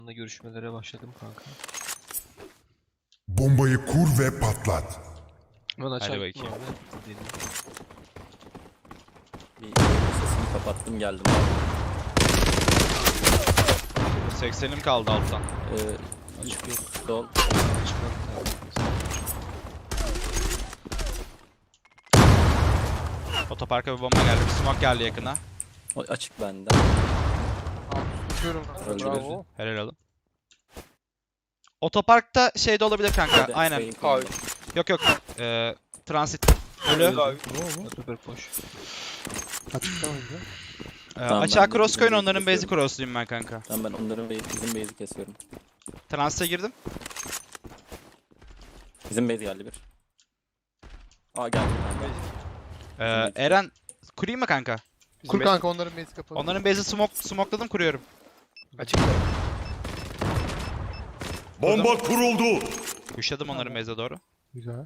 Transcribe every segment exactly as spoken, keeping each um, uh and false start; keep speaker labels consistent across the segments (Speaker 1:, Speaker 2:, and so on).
Speaker 1: Görüşmelere başladım kanka.
Speaker 2: Bombayı kur ve patlat.
Speaker 1: Ben açar
Speaker 3: Hadi
Speaker 1: gittim
Speaker 3: bakayım.
Speaker 1: abi. Dedim.
Speaker 4: Bir sesini kapattım geldim abi.
Speaker 3: seksenim kaldı alttan.
Speaker 4: Ee,
Speaker 1: Açık yok.
Speaker 4: Sol.
Speaker 1: Çıkmam
Speaker 3: Otoparka bir bomba geldi. Bir smoke geldi yakına.
Speaker 4: O açık bende.
Speaker 5: Tutuyorum.
Speaker 4: Öldü
Speaker 5: Bravo.
Speaker 3: Helal olun. Otoparkta şey de olabilir kanka.
Speaker 4: Hadi,
Speaker 3: Aynen.
Speaker 4: sayın
Speaker 5: Hayır.
Speaker 4: konuda.
Speaker 3: Yok yok. Ee, transit. Ölü.
Speaker 5: Abi.
Speaker 1: Süper boş.
Speaker 5: Açıkta mıydı?
Speaker 3: Ee,
Speaker 4: Tamam,
Speaker 3: açığa
Speaker 4: ben de
Speaker 3: cross koyun,
Speaker 4: bizim
Speaker 3: onların
Speaker 4: base'i
Speaker 3: base'i crossluyum ben kanka.
Speaker 4: Tamam ben onların base, bizim base'i kesiyorum.
Speaker 3: Transit'e girdim.
Speaker 4: Bizim base geldi bir. Aa geldi bir tane daha.
Speaker 3: Ee, Eren kurayım mı kanka?
Speaker 5: Kur kanka onların mezi kapalı.
Speaker 3: Onların base'i smoke, smokeladım, kuruyorum.
Speaker 5: Açıkta.
Speaker 2: Bomba kuruldu.
Speaker 3: Kuşladım onların base'e doğru.
Speaker 5: Güzel.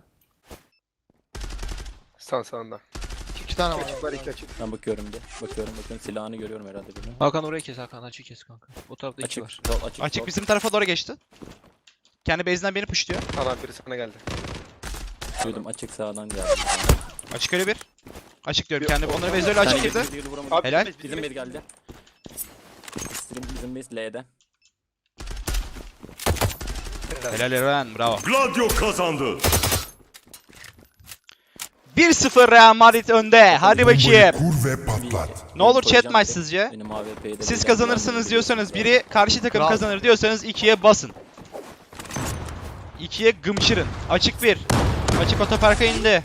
Speaker 6: Sağ sağında.
Speaker 5: İki tane var.
Speaker 6: Açıklar iki açık.
Speaker 4: Ben bakıyorum bir. Bakıyorum bakıyorum silahını görüyorum herhalde bir.
Speaker 1: Hakan oraya kes, Hakan açık kes kanka. O tarafta iki
Speaker 4: Açık.
Speaker 1: var.
Speaker 4: Sol, açık.
Speaker 3: Açık
Speaker 4: sol.
Speaker 3: bizim tarafa doğru geçti. Kendi base'inden beni pushluyor.
Speaker 6: Ana biri sana geldi.
Speaker 4: Duydum açık sağdan geldi.
Speaker 3: Açık ölü bir. Açık diyorum kendi. Onların base'i öyle açık girdi.
Speaker 6: Abi,
Speaker 3: Helal.
Speaker 4: Bizim base geldi. Bizim, bizim base L'de.
Speaker 3: Helal Eren, bravo.
Speaker 2: Gladio kazandı.
Speaker 3: bir sıfır Real Madrid önde. Hadi
Speaker 2: Bombayı
Speaker 3: bakayım.
Speaker 2: kur ve patlat.
Speaker 3: Ne olur
Speaker 4: Koyacağım
Speaker 3: chat maç
Speaker 4: ki
Speaker 3: sizce?
Speaker 4: benim A W P'yi de
Speaker 3: Siz
Speaker 4: bir
Speaker 3: kazanırsınız
Speaker 4: yerden
Speaker 3: diyorsanız
Speaker 4: bir-
Speaker 3: biri, karşı takım
Speaker 5: Kral.
Speaker 3: kazanır diyorsanız ikiye basın. ikiye gımşırın. Açık bir. Açık otoparka indi.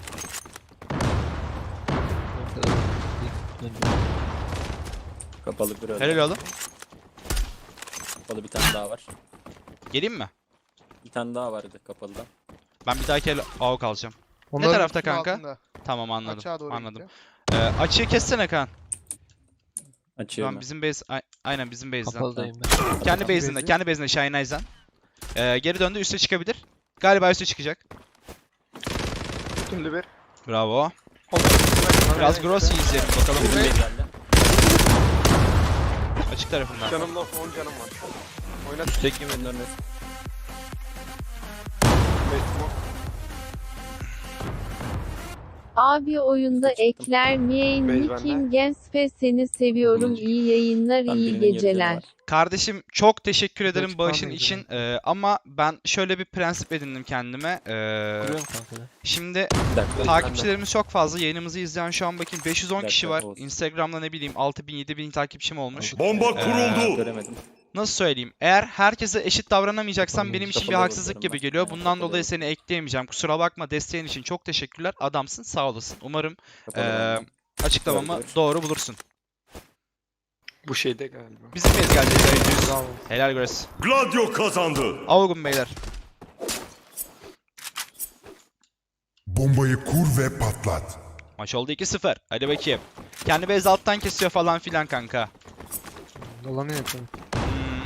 Speaker 1: Ortada. Döndü.
Speaker 4: Kapalı bir öyle.
Speaker 3: Helal oğlum.
Speaker 4: Kapalı bir tane daha var.
Speaker 3: Geleyim mi?
Speaker 4: Bir tane daha vardı kapalıda.
Speaker 3: Ben bir dahaki el avuk alacağım.
Speaker 5: Onların
Speaker 3: tarafta
Speaker 5: üstünün
Speaker 3: kanka?
Speaker 5: altında.
Speaker 3: Tamam anladım.
Speaker 5: Açığa doğru
Speaker 3: Anladım.
Speaker 5: gitti.
Speaker 3: Ee, açığı kessene Kaan.
Speaker 4: Açıyorum.
Speaker 3: Tamam bizim base a- aynen bizim base'den.
Speaker 1: Kapalıdayım ben.
Speaker 3: Kendi
Speaker 5: Bizim
Speaker 3: base'inde,
Speaker 5: base'i.
Speaker 3: kendi base'inde Shine Eyes'den. Ee, geri döndü, üste çıkabilir. Galiba üste çıkacak.
Speaker 6: Tümlü bir.
Speaker 3: Bravo.
Speaker 6: Oldu.
Speaker 3: Biraz Grossy izleyelim bakalım.
Speaker 4: Bizim base geldi.
Speaker 3: Açık tarafından.
Speaker 6: Canımda on canım var. Oynat.
Speaker 1: Üstteki mi?
Speaker 4: Bunların
Speaker 7: Abi oyunda ekler miyim?
Speaker 6: Bey bende.
Speaker 7: Nikim Genspe seni seviyorum. İyi yayınlar,
Speaker 4: Tam
Speaker 7: iyi
Speaker 4: birinin yarıcanı
Speaker 7: geceler.
Speaker 4: var.
Speaker 3: Kardeşim çok teşekkür ederim
Speaker 5: Açık
Speaker 3: bağışın
Speaker 5: kalmayız
Speaker 3: için. Ee, ama ben şöyle bir prensip edindim kendime. Ee,
Speaker 1: Kuruyorum kanka ben.
Speaker 3: şimdi
Speaker 4: Bir dakika.
Speaker 3: takipçilerimiz çok fazla. Yayınımızı izleyen şu an bakayım beş yüz on
Speaker 4: Bir
Speaker 3: kişi
Speaker 4: dakika,
Speaker 3: var.
Speaker 4: olsun.
Speaker 3: Instagram'da ne bileyim altı bin yedi bin takipçim olmuş.
Speaker 2: Bomba
Speaker 3: Ee,
Speaker 2: kuruldu.
Speaker 4: Göremedim.
Speaker 3: Nasıl söyleyeyim? Eğer herkese eşit davranamayacaksam
Speaker 1: Tamam,
Speaker 3: benim için bir
Speaker 4: kapalı
Speaker 3: haksızlık
Speaker 4: bakıyorum
Speaker 3: gibi
Speaker 4: ben.
Speaker 3: geliyor.
Speaker 4: Aynen,
Speaker 3: Bundan
Speaker 4: kapalı
Speaker 3: dolayı
Speaker 4: bakıyorum.
Speaker 3: seni ekleyemeyeceğim. Kusura bakma, desteğin için çok teşekkürler. Adamsın, sağ olasın. Umarım
Speaker 4: Kapalı
Speaker 3: ee,
Speaker 4: bende.
Speaker 3: açıklamamı
Speaker 4: Gördüm.
Speaker 3: doğru bulursun.
Speaker 6: Bu şeyde galiba.
Speaker 3: Bizim bez geldi.
Speaker 5: Bravo.
Speaker 3: Helal Grace.
Speaker 2: Gladio kazandı.
Speaker 3: Avugum beyler.
Speaker 2: Bombayı kur ve patlat.
Speaker 3: Maç oldu iki sıfır. Hadi bakayım. Kendi base alttan kesiyor falan filan kanka.
Speaker 5: Dolanıyor yapalım.
Speaker 3: Hmm.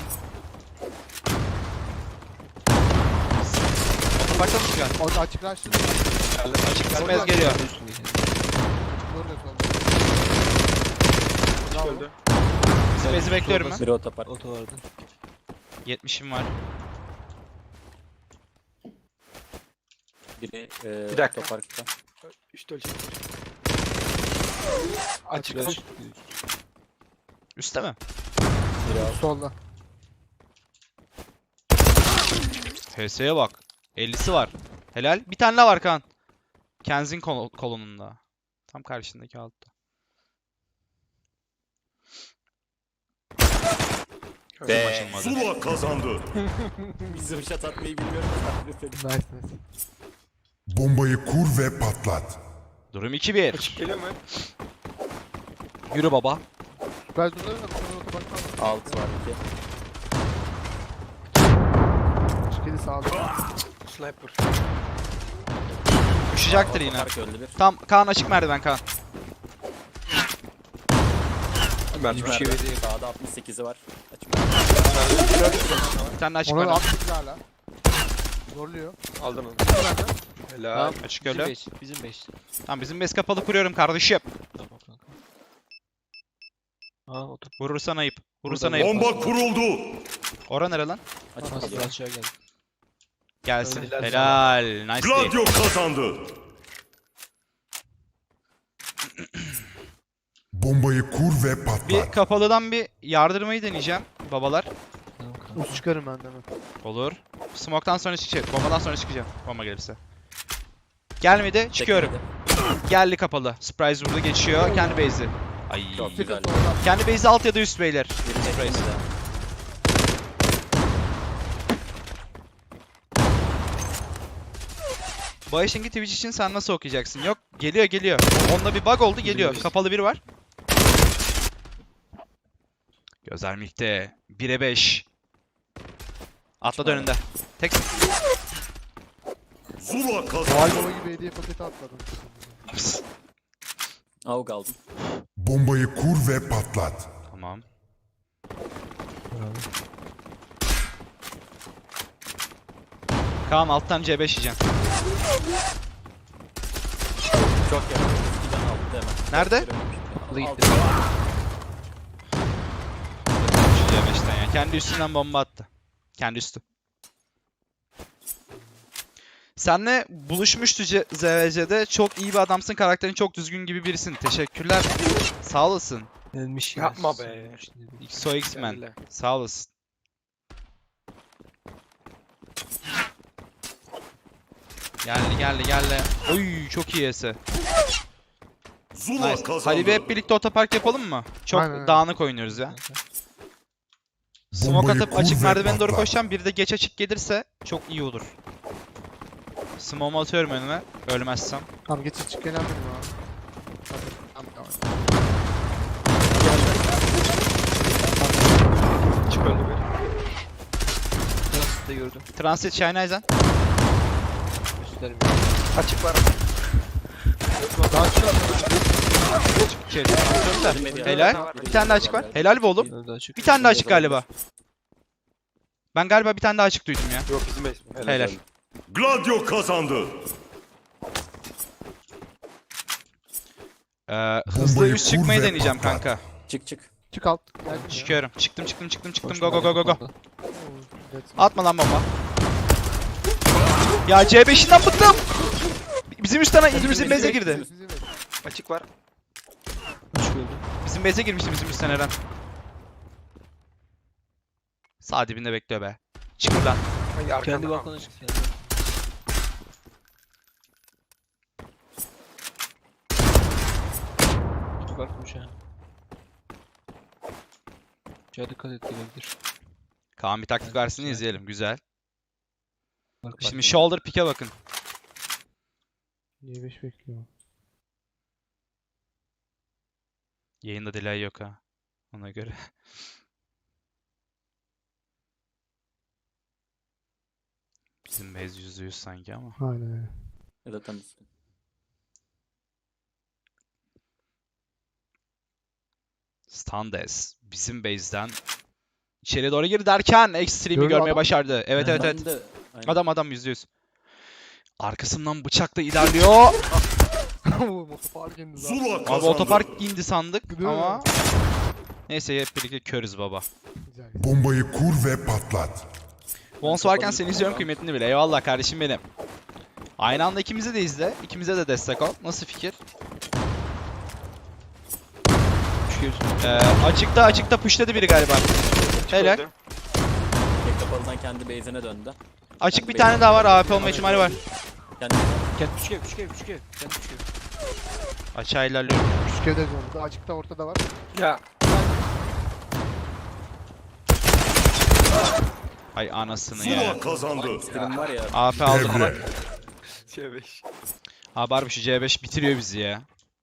Speaker 3: Otoparkta mı çıkan?
Speaker 5: Orada açık açtı.
Speaker 3: Açık bizim base geliyor.
Speaker 5: Doğru da solda.
Speaker 6: Öldü.
Speaker 3: Bizim base'i bekliyorum ben.
Speaker 4: Biri otopark.
Speaker 1: Oto vardı.
Speaker 3: yetmişim var.
Speaker 4: Biri e,
Speaker 6: Bir dakika.
Speaker 4: otoparkta.
Speaker 6: Üstü ölçek.
Speaker 1: Açık.
Speaker 6: Açık.
Speaker 3: Üste mi?
Speaker 4: Biri alt.
Speaker 5: Solda.
Speaker 3: H S'ye bak. ellisi var. Helal. Bir tane daha var Kaan. Kenzin kol kolonunda. Tam karşındaki altta.
Speaker 4: Be.
Speaker 3: Açılmadı.
Speaker 2: Zula kazandı.
Speaker 4: Bizim şat atmayı bilmiyorum.
Speaker 5: Nice nice.
Speaker 2: Bombayı kur ve patlat.
Speaker 3: Durum iki bir.
Speaker 6: Açık geliyor mu?
Speaker 3: Yürü baba.
Speaker 5: Ben durlarım da bu sefer otoparkta aldım.
Speaker 4: Alt var iki.
Speaker 5: Açık yedi sağda.
Speaker 6: Sniper.
Speaker 3: Düşecektir yine.
Speaker 4: Otopark öldü bir.
Speaker 3: Tam Kaan açık merdiven Kaan.
Speaker 6: Ben
Speaker 4: Açık
Speaker 6: bir şey
Speaker 4: merdiven. Sağda altmış sekizi var. Açık
Speaker 3: Bir tane açık
Speaker 5: Onları
Speaker 3: merdiven.
Speaker 5: altı hala. Zorluyor.
Speaker 6: aldın onu.
Speaker 5: Nerede?
Speaker 6: Helal.
Speaker 1: Tamam.
Speaker 3: Açık
Speaker 1: Bizim
Speaker 3: öyle.
Speaker 1: base. Bizim base.
Speaker 3: Tamam bizim base kapalı kuruyorum kardeşim.
Speaker 1: Tamam kanka. Aa otur.
Speaker 3: Vurursan ayıp. Vurursan
Speaker 1: Burada
Speaker 3: ayıp.
Speaker 2: Bomba kuruldu.
Speaker 3: Ora nere lan?
Speaker 4: Açık
Speaker 1: Nasıl
Speaker 4: geliyor.
Speaker 1: aşağı geldi.
Speaker 3: Gelsin.
Speaker 6: Helal sana.
Speaker 3: Helal. Nice day.
Speaker 2: Gladio kazandı. Bombayı kur ve
Speaker 3: Bir
Speaker 2: patlat.
Speaker 3: kapalıdan bir yardırmayı deneyeceğim babalar.
Speaker 1: Tamam kanka.
Speaker 5: Us çıkarım ben de hemen.
Speaker 3: Olur. Smoke'tan sonra çıkacak. Bombadan sonra çıkacağım. Bomba gelirse. Gelmedi. Çıkıyorum.
Speaker 4: Çekmedi.
Speaker 3: Geldi kapalı. Surprise vurdu geçiyor. Kendi base'i. Ay.
Speaker 4: Çok güzel.
Speaker 3: Kendi base'i alt ya da üst beyler.
Speaker 4: Biri çekmedi de.
Speaker 3: Bayşengi Twitch için sen nasıl okuyacaksın? Yok. Geliyor geliyor. Onda bir bug oldu geliyor. Kapalı biri var. Gözler Milk'te. bire beş. Atladı önünde. Tek.
Speaker 2: Zula kazandı.
Speaker 5: Noel Baba gibi hediye paketi atladım.
Speaker 4: Avuk aldım.
Speaker 2: Bombayı kur ve patlat.
Speaker 3: Tamam.
Speaker 1: Bravo.
Speaker 3: Kaan alttan C beş yiyeceğim.
Speaker 4: Çok yakın. İki tane aldı hemen.
Speaker 3: Nerede?
Speaker 1: Kapalı
Speaker 4: Aldı.
Speaker 1: gitti.
Speaker 3: Şu C beşten ya. Kendi üstünden bomba attı. Kendi üstü. Senle buluşmuştu C- Z V C'de. Çok iyi bir adamsın. Karakterin çok düzgün gibi birisin. Teşekkürler. Sağ olasın.
Speaker 1: Gelmiş
Speaker 6: Yapma be.
Speaker 3: X O X-Men.
Speaker 6: Geldiler.
Speaker 3: Sağ olasın. Geldi geldi geldi. Oy çok iyi ese.
Speaker 2: Zula
Speaker 3: Nice.
Speaker 2: kazandı.
Speaker 3: Hadi bir hep birlikte otopark yapalım mı? Çok
Speaker 5: Aynen, aynen.
Speaker 3: dağınık oynuyoruz ya. Smoke
Speaker 2: Bombayı
Speaker 3: atıp
Speaker 2: kur
Speaker 3: açık
Speaker 2: ve
Speaker 3: merdivene doğru
Speaker 2: patlat.
Speaker 3: koşacağım. Bir de geç açık gelirse çok iyi olur. Smoke'u atıyorum önüme. Ölmezsem.
Speaker 5: Tamam geçiş çık gelen benim abi. Tamam tamam.
Speaker 6: Çık öldü bir.
Speaker 1: Transit de gördüm.
Speaker 3: Transit Shine
Speaker 1: Üstlerim.
Speaker 6: Açık var.
Speaker 5: Daha çıkar.
Speaker 3: İçeri. Transit
Speaker 4: Girmedi
Speaker 3: de.
Speaker 4: ya.
Speaker 3: Helal. Bir tane daha açık var. Helal be oğlum.
Speaker 1: Öldü açık.
Speaker 3: Bir tane daha açık galiba. Ben galiba bir tane daha açık duydum ya.
Speaker 6: Yok bizim base.
Speaker 3: Helal.
Speaker 2: Gladio kazandı.
Speaker 3: Ee, hızlı
Speaker 2: Bombayı
Speaker 3: üst
Speaker 2: kur
Speaker 3: çıkmayı
Speaker 2: ve
Speaker 3: deneyeceğim
Speaker 2: patlat.
Speaker 3: kanka.
Speaker 4: Çık çık.
Speaker 5: Çık alt. Geldim ya.
Speaker 3: Çıkıyorum. Çıktım çıktım çıktım çıktım.
Speaker 1: Koşma,
Speaker 3: Go go go go go.
Speaker 1: kapalı.
Speaker 5: Oo, evet.
Speaker 3: Atma lan bomba. Ya C beşinden bıktım. Bizim üstten bizim base'e girdi.
Speaker 5: Sizin evet.
Speaker 6: Açık var.
Speaker 1: Açık öldü.
Speaker 3: Bizim base'e girmişti bizim üstten Eren. Sağ dibinde bekliyor be. Çık buradan.
Speaker 6: Ay arkanda.
Speaker 1: Kendi balkona çık. Kendi. Çok artmış ha. Şuraya dikkat et gelebilir.
Speaker 3: Kaan bir taktik versin izleyelim. Güzel.
Speaker 1: Bak,
Speaker 3: Şimdi shoulder pick'e bakın.
Speaker 5: Niye beş bekliyor?
Speaker 3: Yayında delay yok ha. Ona göre. Bizim base yüzde yüz sanki ama.
Speaker 5: Aynen öyle.
Speaker 4: Ya da tam üstü.
Speaker 3: Standes bizim base'den içeri doğru gir derken Extreme'i
Speaker 5: Gördü
Speaker 3: görmeye
Speaker 5: adam.
Speaker 3: başardı. Evet evet evet.
Speaker 4: Ben de- Aynen.
Speaker 3: Adam adam yüzde yüz. Arkasından bıçakla ilerliyor.
Speaker 5: Motopark indi
Speaker 2: Zula
Speaker 5: zaten.
Speaker 3: Abi
Speaker 2: kazandı.
Speaker 3: otopark indi sandık
Speaker 5: Değil mi?
Speaker 3: ama neyse hep birlikte körüz baba.
Speaker 5: Güzel.
Speaker 2: Bombayı kur ve patlat.
Speaker 3: Vons varken seni izliyorum kıymetini bile. Eyvallah kardeşim benim. Aynı anda ikimize de izle. İkimize de destek ol. Nasıl fikir?
Speaker 1: Çıkıyorsun.
Speaker 3: Ee, açıkta açıkta pushladı biri galiba. Helal.
Speaker 6: Öldü.
Speaker 4: Tek kapalıdan kendi base'ine döndü.
Speaker 3: Açık bir tane daha var. A W P olma ihtimali var.
Speaker 4: Kendi
Speaker 1: Kendi küçük ev, küçük ev, küçük ev. Kendi küçük ev.
Speaker 3: Açığa ilerliyorum.
Speaker 5: Küçük evde zorunda. Açıkta ortada var.
Speaker 6: Ya.
Speaker 3: Ay anasını
Speaker 2: Zula
Speaker 3: ya.
Speaker 2: kazandı.
Speaker 4: stream var ya.
Speaker 3: A W P aldım.
Speaker 2: Devre.
Speaker 6: C beş.
Speaker 3: Abi harbi şu C beş bitiriyor bizi ya.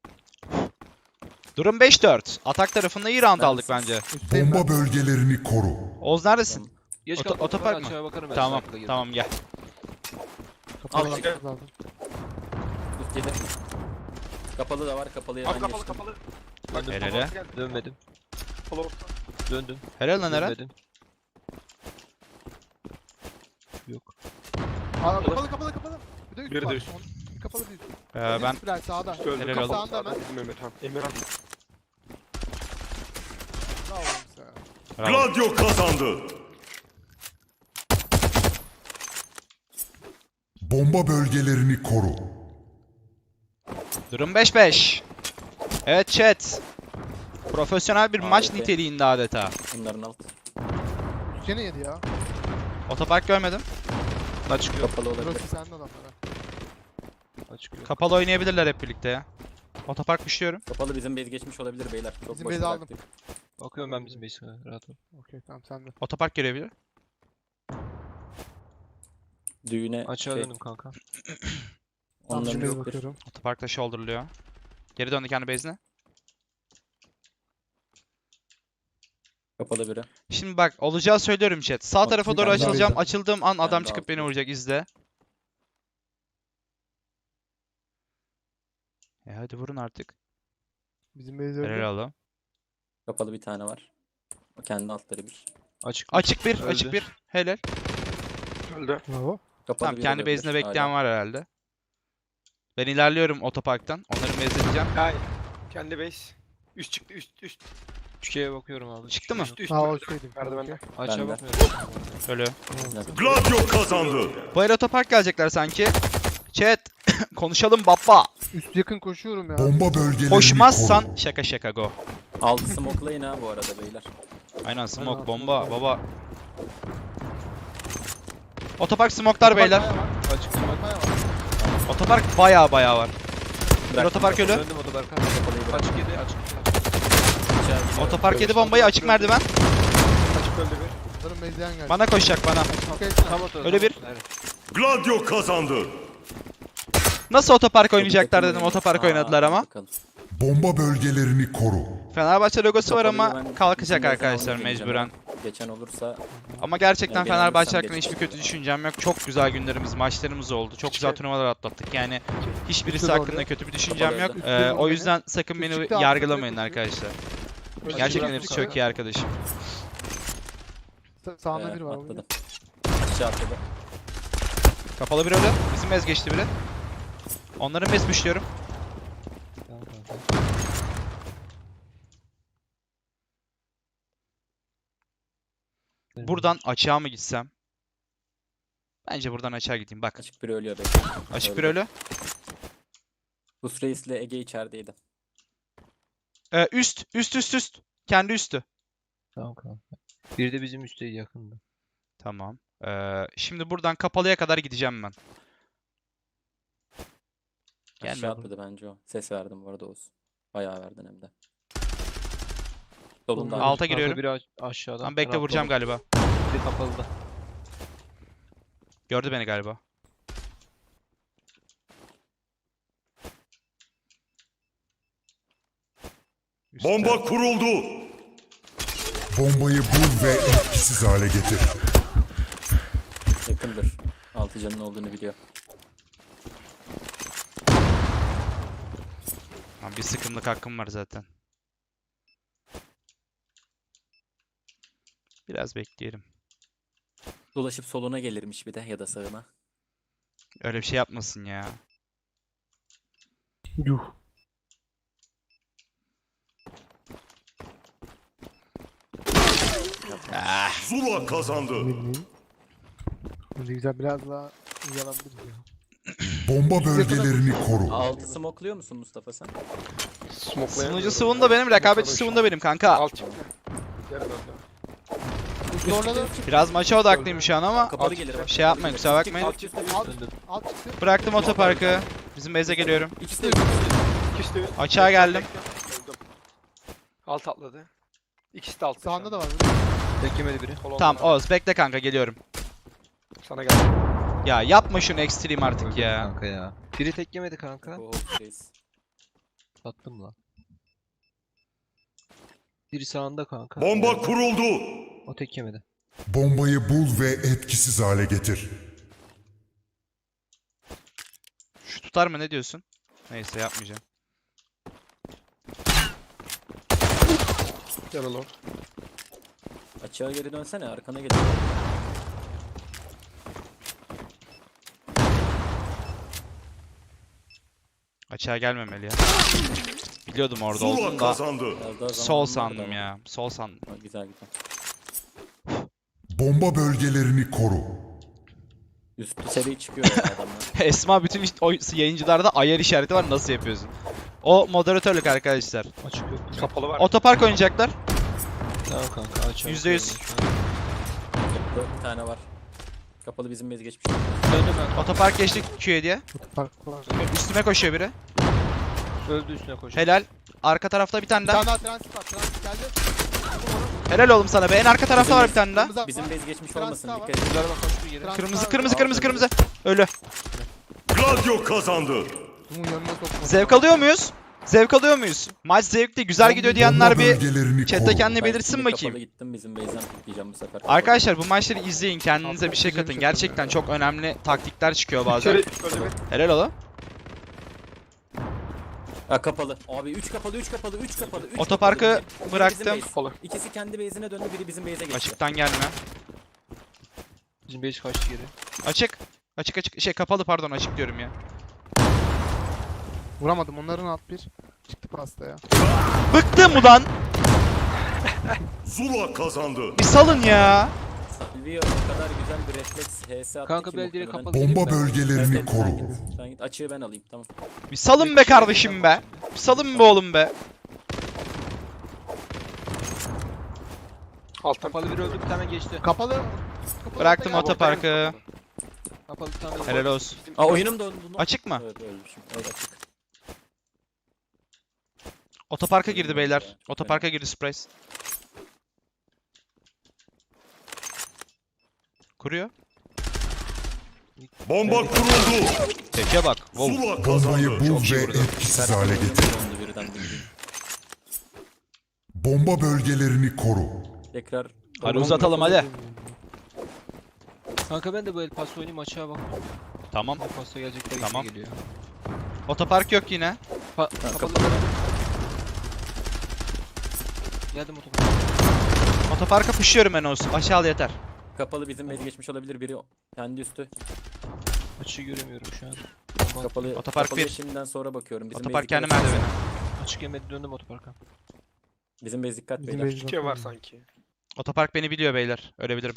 Speaker 3: Durum beş dört. Atak tarafında iyi round
Speaker 4: Ben-
Speaker 3: aldık bence.
Speaker 5: Üstteyim ben.
Speaker 2: Bomba bölgelerini koru.
Speaker 3: Oz neredesin?
Speaker 1: Geç
Speaker 3: Oto-
Speaker 1: kalk,
Speaker 3: otopark
Speaker 1: ben
Speaker 3: mı?
Speaker 1: aşağıya bakarım ben,
Speaker 3: Tamam
Speaker 1: sniper'la girdim.
Speaker 3: tamam gel.
Speaker 5: Kapalı
Speaker 6: Al,
Speaker 5: bakmamız lazım.
Speaker 4: Üst yedi. Kapalı da var. Kapalıya
Speaker 6: Abi
Speaker 4: ben
Speaker 6: kapalı
Speaker 4: geçtim.
Speaker 6: kapalı. Bak,
Speaker 3: Helal
Speaker 6: kapalı
Speaker 3: he.
Speaker 6: geldi.
Speaker 1: Dönmedim.
Speaker 6: Kapalı orta.
Speaker 1: Döndüm.
Speaker 3: Helal lan Eren.
Speaker 1: Dönmedim. Yok.
Speaker 5: Aa, kapalı kapalı kapalı. Bir de üst
Speaker 6: Biri de
Speaker 5: var.
Speaker 6: üst.
Speaker 5: Son- Kapalı bir üst.
Speaker 3: Ee, ben
Speaker 5: Üst biraz sağda.
Speaker 6: Üstü öldü.
Speaker 3: Helal
Speaker 6: Kapalı
Speaker 3: olsun.
Speaker 6: sağda bizim Emir. Tamam. Emir abi.
Speaker 3: Bravo.
Speaker 2: Gladio kazandı. Bomba bölgelerini koru.
Speaker 3: Durum beş beş. Evet chat. Profesyonel bir maç
Speaker 4: Harika.
Speaker 3: niteliğinde adeta.
Speaker 4: Bunların alt.
Speaker 5: Gene yedi ya.
Speaker 3: Otopark görmedim.
Speaker 1: Da çıkıyor.
Speaker 4: Kapalı olabilir.
Speaker 5: Burası sende adamlara.
Speaker 1: Da çıkıyor.
Speaker 3: Kapalı oynayabilirler hep birlikte ya. Otopark düşüyorum.
Speaker 4: Kapalı bizim base geçmiş olabilir beyler. Çok
Speaker 5: Bizim
Speaker 4: boş
Speaker 5: base'i aldım.
Speaker 4: bıraktık.
Speaker 1: Bakıyorum ben bizim base'e. Rahat ol.
Speaker 5: Okey tamam sende.
Speaker 3: Otopark gelebilir.
Speaker 4: Düğüne
Speaker 1: Açığa
Speaker 4: şey,
Speaker 1: döndüm kanka.
Speaker 5: Tam
Speaker 4: onların
Speaker 5: şimdi
Speaker 4: yoktur.
Speaker 5: bakıyorum.
Speaker 3: Otoparkta shoulder'lıyor. Geri döndü kendi base'ine.
Speaker 4: Kapalı biri.
Speaker 3: Şimdi bak olacağı söylüyorum chat. Sağ
Speaker 4: Bak,
Speaker 3: tarafa
Speaker 4: bir
Speaker 3: doğru
Speaker 4: tane daha
Speaker 3: açılacağım.
Speaker 5: aldım.
Speaker 3: Açıldığım an
Speaker 4: Ben
Speaker 3: adam
Speaker 4: de
Speaker 3: çıkıp beni
Speaker 4: aldım.
Speaker 3: vuracak. İzle. E hadi vurun artık.
Speaker 5: Bizim base
Speaker 3: Helal
Speaker 5: öldü.
Speaker 3: oğlum.
Speaker 4: Kapalı bir tane var. O kendi altları bir.
Speaker 1: Açık.
Speaker 3: Açık bir,
Speaker 1: Öldü.
Speaker 3: açık bir. Helal.
Speaker 6: Öldü.
Speaker 5: Bravo.
Speaker 4: Kapalı
Speaker 3: Tamam
Speaker 4: biri
Speaker 3: kendi
Speaker 4: olabilir
Speaker 3: base'inde bekleyen
Speaker 4: hala.
Speaker 3: var herhalde. Ben ilerliyorum otoparktan. Onları mezleyeceğim.
Speaker 6: Hay. Kendi base. Üst çıktı üst üst.
Speaker 1: Üçgeye bakıyorum abi.
Speaker 3: Çıktı mı?
Speaker 6: Üst üst.
Speaker 5: Ha o şeydim.
Speaker 6: Merdivende.
Speaker 5: Okey.
Speaker 1: Açığa
Speaker 4: Ben de.
Speaker 1: bakmıyorum.
Speaker 3: Ölü.
Speaker 2: Gladio kazandı.
Speaker 3: Bu el otopark gelecekler sanki. Chat. Konuşalım baba.
Speaker 5: Üst yakın koşuyorum ya.
Speaker 2: Bomba bölgelerini
Speaker 3: Koşmazsan
Speaker 2: koru.
Speaker 3: şaka şaka go.
Speaker 4: Altı smoke'layın ha bu arada beyler.
Speaker 3: Aynen smoke
Speaker 5: Aynen,
Speaker 3: bomba
Speaker 5: smoke.
Speaker 3: baba. Otopark smoke'lar beyler.
Speaker 1: Açık.
Speaker 5: Bakmaya var.
Speaker 3: Otopark baya baya var. Bir
Speaker 4: Bıraktım.
Speaker 3: otopark ölü.
Speaker 1: Döndüm otoparka.
Speaker 4: Kapalıyı bırak.
Speaker 1: Açık yedi. Açık.
Speaker 4: İçeride.
Speaker 3: Otopark yedi bombayı açık merdiven.
Speaker 6: Açık öldü bir.
Speaker 5: Bunların base'den geldi.
Speaker 3: Bana koşacak bana.
Speaker 5: Okey
Speaker 1: Tam
Speaker 5: tamam.
Speaker 1: otur.
Speaker 3: Öyle
Speaker 1: tam
Speaker 3: bir.
Speaker 1: otur. Evet.
Speaker 2: Gladio kazandı.
Speaker 3: Nasıl otopark oynayacaklar
Speaker 4: Takım
Speaker 3: dedim
Speaker 4: oyunu.
Speaker 3: otopark
Speaker 4: Aa,
Speaker 3: oynadılar ama.
Speaker 4: bakalım.
Speaker 2: Bomba bölgelerini koru.
Speaker 3: Fenerbahçe logosu var
Speaker 4: Kapalıyı
Speaker 3: ama
Speaker 4: ben
Speaker 3: kalkacak
Speaker 4: bizim
Speaker 3: arkadaşlar
Speaker 4: base'den almayı
Speaker 3: mecburen.
Speaker 4: deneyeceğim. Geçen olursa
Speaker 3: Ama gerçekten
Speaker 4: Yani beni
Speaker 3: Fenerbahçe
Speaker 4: alırsam
Speaker 3: hakkında hiçbir
Speaker 4: geçeceğim.
Speaker 3: kötü düşüncem yok. Çok güzel günlerimiz, maçlarımız oldu. Çok güzel
Speaker 6: Hiçbir-
Speaker 3: turnuvalar atlattık. Yani hiçbirisi
Speaker 5: Üstü
Speaker 3: hakkında
Speaker 5: doğru.
Speaker 3: kötü bir düşüncem yok.
Speaker 4: Kapalı
Speaker 3: Ee,
Speaker 5: öldü.
Speaker 3: o yüzden sakın
Speaker 5: Üst
Speaker 3: beni
Speaker 5: çıktı, altı
Speaker 3: yargılamayın
Speaker 5: çıktı.
Speaker 3: arkadaşlar.
Speaker 5: Öldü.
Speaker 3: Gerçekten
Speaker 5: Bıraktım
Speaker 3: hepsi
Speaker 5: sana.
Speaker 3: çok iyi arkadaşım.
Speaker 5: Sa- Sağında
Speaker 4: e,
Speaker 5: biri var.
Speaker 4: atladı. Aşağı atladı.
Speaker 3: Kapalı bir ölü. Bizim mez geçti biri. Onların mez püşlüyorum.
Speaker 1: Tamam kanka.
Speaker 3: Buradan açığa mı gitsem? Bence buradan açığa gideyim. Bak.
Speaker 4: Açık biri ölüyor belki.
Speaker 3: Açık bir
Speaker 4: öldü.
Speaker 3: ölü.
Speaker 4: Rus Reis'le Ege içerideydi.
Speaker 3: Ee, üst, üst, üst, üst. Kendi üstü.
Speaker 1: Tamam kanka. Bir de bizim üstte yakında.
Speaker 3: Tamam. Ee, şimdi buradan kapalıya kadar gideceğim ben. Gelme
Speaker 4: Aşağı
Speaker 3: bu-
Speaker 4: atladı bence o. Ses verdim bu arada Oğuz. Bayağı verdin hem de. Solunda.
Speaker 5: Alta
Speaker 3: Alta
Speaker 1: Kanka
Speaker 3: giriyorum.
Speaker 1: biri aş- aşağıdan.
Speaker 3: Tamam bekle
Speaker 1: Ben
Speaker 3: vuracağım
Speaker 1: atladım.
Speaker 3: galiba.
Speaker 1: Biri kapalıda.
Speaker 3: Gördü beni galiba. Üstte.
Speaker 2: Bomba kuruldu. Bombayı bul ve etkisiz hale getir.
Speaker 4: Yakındır. Altı canın olduğunu biliyor.
Speaker 3: Lan bir sıkımlık hakkım var zaten. Biraz bekleyelim.
Speaker 4: Dolaşıp soluna gelirmiş bir de ya da sağına.
Speaker 3: Öyle bir şey yapmasın ya.
Speaker 5: Yuh.
Speaker 2: Zula kazandı.
Speaker 5: Bilmiyorum. Bence güzel biraz daha iyi alabiliriz ya.
Speaker 2: Bomba bölgelerini koru.
Speaker 4: Altı smokluyor musun Mustafa sen?
Speaker 6: Smoke'layan.
Speaker 3: Sunucu sıvın da benim, rekabetçi sıvın da benim kanka.
Speaker 6: Alt çıktı. Yarı döndü.
Speaker 5: Üst orada da
Speaker 3: Biraz maça odaklıyım şu an ama
Speaker 4: Kapalı gelir bak.
Speaker 3: şey yapmayın, kusura bakmayın.
Speaker 6: Alt çıktı.
Speaker 5: alt,
Speaker 1: Döndüm.
Speaker 5: alt çıktı.
Speaker 3: Bıraktım otoparkı. Bizim base'e geliyorum.
Speaker 4: İkisi de üst, ikisi de üst.
Speaker 6: İkisi de üst.
Speaker 3: Açığa geldim.
Speaker 6: Öldüm. Alt atladı. İkisi de alt.
Speaker 5: Sağında da var.
Speaker 1: Tek yemedi biri.
Speaker 3: Tamam Oğuz bekle kanka geliyorum.
Speaker 6: Sana geldi.
Speaker 3: Ya yapma şunu extreme artık
Speaker 1: Öldüm
Speaker 3: ya.
Speaker 1: kanka ya. Biri tek yemedi kanka.
Speaker 4: Oo, Reis.
Speaker 1: Sattım lan. Biri sağında kanka.
Speaker 2: Bomba kuruldu.
Speaker 1: O tek yemedi.
Speaker 2: Bombayı bul ve etkisiz hale getir.
Speaker 3: Şu tutar mı, ne diyorsun? Neyse yapmayacağım.
Speaker 6: Yarı long.
Speaker 4: Açığa geri dönsene arkana gelir.
Speaker 3: Açığa gelmemeli ya. Biliyordum orada
Speaker 2: Zula
Speaker 3: olduğunu da.
Speaker 2: kazandı.
Speaker 4: Biraz daha zaman
Speaker 3: Sol
Speaker 4: vardı
Speaker 3: sandım
Speaker 4: ama.
Speaker 3: ya. Sol sandım.
Speaker 4: Ha, güzel güzel.
Speaker 2: Bomba bölgelerini koru.
Speaker 4: Üstü seviye çıkıyor ya adamlar.
Speaker 3: Esma bütün iş- o yayıncılarda ayar işareti var, nasıl yapıyorsun? O moderatörlük arkadaşlar.
Speaker 1: Açık yok.
Speaker 6: Kapalı var.
Speaker 3: Otopark oynayacaklar.
Speaker 1: Tamam kanka aç.
Speaker 3: Yüzde yüz.
Speaker 4: Bir tane var. Kapalı bizim base geçmiş.
Speaker 1: Döndü kanka.
Speaker 3: Otopark geçtik Q'ye diye.
Speaker 5: Otopark var.
Speaker 3: Üstüme koşuyor biri.
Speaker 1: Öldü üstüne koş.
Speaker 3: Helal. Arka tarafta bir tane
Speaker 5: Bir
Speaker 3: daha.
Speaker 5: tane daha transit var. Transit geldi.
Speaker 3: Helal oğlum sana be. En arka tarafta var bir tane daha.
Speaker 5: Kırmızı
Speaker 4: Bizim
Speaker 5: var.
Speaker 4: base geçmiş
Speaker 5: Transit
Speaker 4: olmasın.
Speaker 5: daha
Speaker 4: Dikkat
Speaker 5: var.
Speaker 4: edin.
Speaker 1: Güzel bak koştu geri.
Speaker 5: Transit
Speaker 3: Kırmızı
Speaker 5: var.
Speaker 3: kırmızı kırmızı kırmızı. Ölü.
Speaker 2: Gladio kazandı.
Speaker 5: Bunun yanına sokma.
Speaker 3: Zevk alıyor muyuz? Zevk alıyor muyuz? Maç zevkli, güzel gidiyor diyenler
Speaker 2: Bomba
Speaker 3: bir
Speaker 2: bölgelerini
Speaker 3: chatte
Speaker 2: koru.
Speaker 3: kendini
Speaker 4: Ben
Speaker 3: belirsin
Speaker 4: şimdi
Speaker 3: bakayım.
Speaker 4: Kapalı gittim bizim base'den pikleyeceğim bu sefer.
Speaker 3: Arkadaşlar bu maçları izleyin, kendinize bir şey katın. Gerçekten çok önemli taktikler çıkıyor bazen.
Speaker 6: İçeri öyle bir.
Speaker 3: Helal oğlum.
Speaker 4: Ha kapalı. Abi üç kapalı, üç kapalı, üç kapalı. üç
Speaker 3: Otoparkı
Speaker 4: kapalı. Biri bizim
Speaker 3: bıraktım.
Speaker 4: base.
Speaker 6: Olur.
Speaker 4: İkisi kendi base'ine döndü, biri bizim base'e geçti.
Speaker 3: Açıktan gelme.
Speaker 1: Bizim beş kaçtı geri.
Speaker 3: Açık. Açık açık. Şey kapalı pardon, açık diyorum ya.
Speaker 5: Vuramadım. Onların alt bir. Çıktı pastaya.
Speaker 3: Bıktım ulan.
Speaker 2: Zula kazandı.
Speaker 3: Bir salın ya.
Speaker 4: Silvio o kadar güzel bir refleks H S attı
Speaker 1: Kanka
Speaker 4: ki
Speaker 1: ben direkt
Speaker 4: muhtemelen-
Speaker 1: kapalı gireyim
Speaker 2: Bomba
Speaker 1: ben.
Speaker 2: bölgelerini
Speaker 4: Evet, sen
Speaker 2: koru.
Speaker 4: git, sen git. Açığı ben alayım, tamam.
Speaker 3: Bir salın be kardeşim be. Bir salın be oğlum be.
Speaker 6: Alttan.
Speaker 1: Kapalı bir öldü bir tane geçti.
Speaker 5: Kapalı. Kapalı
Speaker 3: Bıraktım
Speaker 5: ortaya-
Speaker 3: otoparkı.
Speaker 1: Kapalı bir tane
Speaker 3: Helal olsun.
Speaker 4: Aa oyunum dondu.
Speaker 3: Açık mı?
Speaker 4: Evet ölmüşüm. Evet açık.
Speaker 3: Otoparka girdi beyler. Otoparka girdi Surprise. Kuruyor.
Speaker 2: Bomba kuruldu.
Speaker 3: Teke bak. Wow.
Speaker 2: Zula
Speaker 3: Çok
Speaker 2: kazandı.
Speaker 3: iyi
Speaker 2: Bul ve
Speaker 3: vurdu.
Speaker 2: etkisiz hale getir.
Speaker 4: Dondu birden bildiğin.
Speaker 2: Bomba bölgelerini koru.
Speaker 4: Tekrar.
Speaker 3: Hadi uzatalım hadi.
Speaker 1: Kanka ben de bu El Paso oynayayım açığa bak.
Speaker 3: Tamam.
Speaker 1: El Paso gelecekler
Speaker 3: Tamam.
Speaker 1: tamam. geliyor.
Speaker 3: Otopark yok yine.
Speaker 1: Pa
Speaker 4: Ha,
Speaker 1: kapalı.
Speaker 4: kapalı.
Speaker 1: Geldim otoparka.
Speaker 3: Otoparka pışıyorum ben olsun. Aşağıda yeter.
Speaker 4: Kapalı bizim base geçmiş olabilir, biri kendi üstü.
Speaker 1: Açığı göremiyorum şu an. Bomba-
Speaker 4: Kapalı.
Speaker 3: Otopark
Speaker 4: kapalıya
Speaker 3: bir.
Speaker 4: şimdiden sonra bakıyorum. Bizim
Speaker 3: Otopark
Speaker 4: base
Speaker 3: kendi
Speaker 4: dikkat-
Speaker 3: merdiveni.
Speaker 1: Açık yemedi döndüm otoparka.
Speaker 4: Bizim base dikkat
Speaker 5: Bizim
Speaker 4: beyler.
Speaker 5: base
Speaker 6: İki var
Speaker 5: bakıyorum.
Speaker 6: sanki.
Speaker 3: Otopark beni biliyor beyler. Ölebilirim.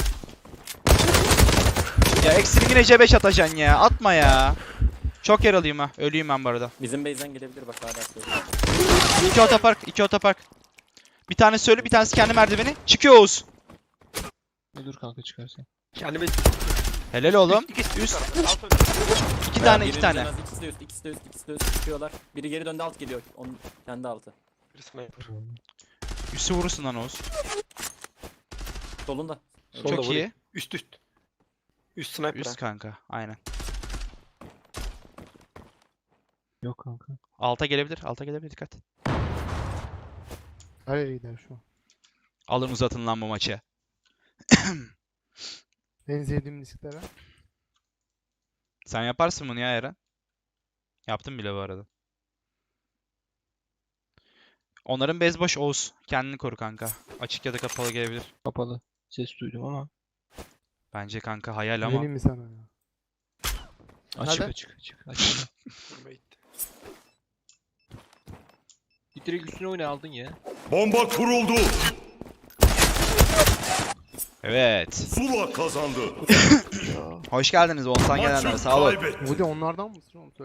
Speaker 3: Ya eksini yine C beş atacaksın ya. Atma ya. Çok yaralıyım ha. Ölüyüm ben bu arada.
Speaker 4: Bizim base'den gelebilir bak hala söylüyorum.
Speaker 3: İki otopark. iki otopark. Bir tanesi ölü, bir tanesi kendi merdiveni. Çıkıyor Oğuz.
Speaker 1: Ölür kanka çıkarsan.
Speaker 6: Kendime
Speaker 3: Helal oğlum.
Speaker 6: İkisi
Speaker 3: Üst.
Speaker 6: üst. Alt öyle.
Speaker 3: İki tane, iki
Speaker 4: Birinin
Speaker 3: tane.
Speaker 4: en az İkisi de üst, ikisi de üst, ikisi de üst çıkıyorlar. Biri geri döndü, alt geliyor. Onun kendi altı.
Speaker 6: Bir sniper.
Speaker 3: Üstü vurursun lan Oğuz.
Speaker 4: Solunda.
Speaker 6: Solda
Speaker 3: Çok
Speaker 6: vurayım.
Speaker 3: iyi.
Speaker 6: Üst üst. Üst sniper.
Speaker 3: Üst
Speaker 6: ha.
Speaker 3: kanka. Aynen.
Speaker 1: Yok kanka.
Speaker 3: Alta gelebilir. Alta gelebilir. Dikkat.
Speaker 5: Nereye gider şu an?
Speaker 3: Alın uzatın lan bu maçı.
Speaker 5: En sevdiğim disklere.
Speaker 3: Sen yaparsın bunu ya Eren. Yaptım bile bu arada. Onların bez boş Oğuz. Kendini koru kanka. Açık ya da kapalı gelebilir.
Speaker 1: Kapalı. Ses duydum ama.
Speaker 3: Bence kanka hayal ama.
Speaker 5: Güveneyim mi sana ya?
Speaker 1: Açık
Speaker 5: Nerede?
Speaker 1: açık açık. Açık.
Speaker 6: Vurmaya gitti.
Speaker 1: Git direkt üstüne oyna aldın ya.
Speaker 2: Bomba kuruldu.
Speaker 3: Evet.
Speaker 2: Zula kazandı.
Speaker 3: Hoş geldiniz Oğuzhan gelenlere.
Speaker 2: Maçı
Speaker 3: Sağ olun.
Speaker 2: kaybetti.
Speaker 5: Bu da onlardan mısın oğlum?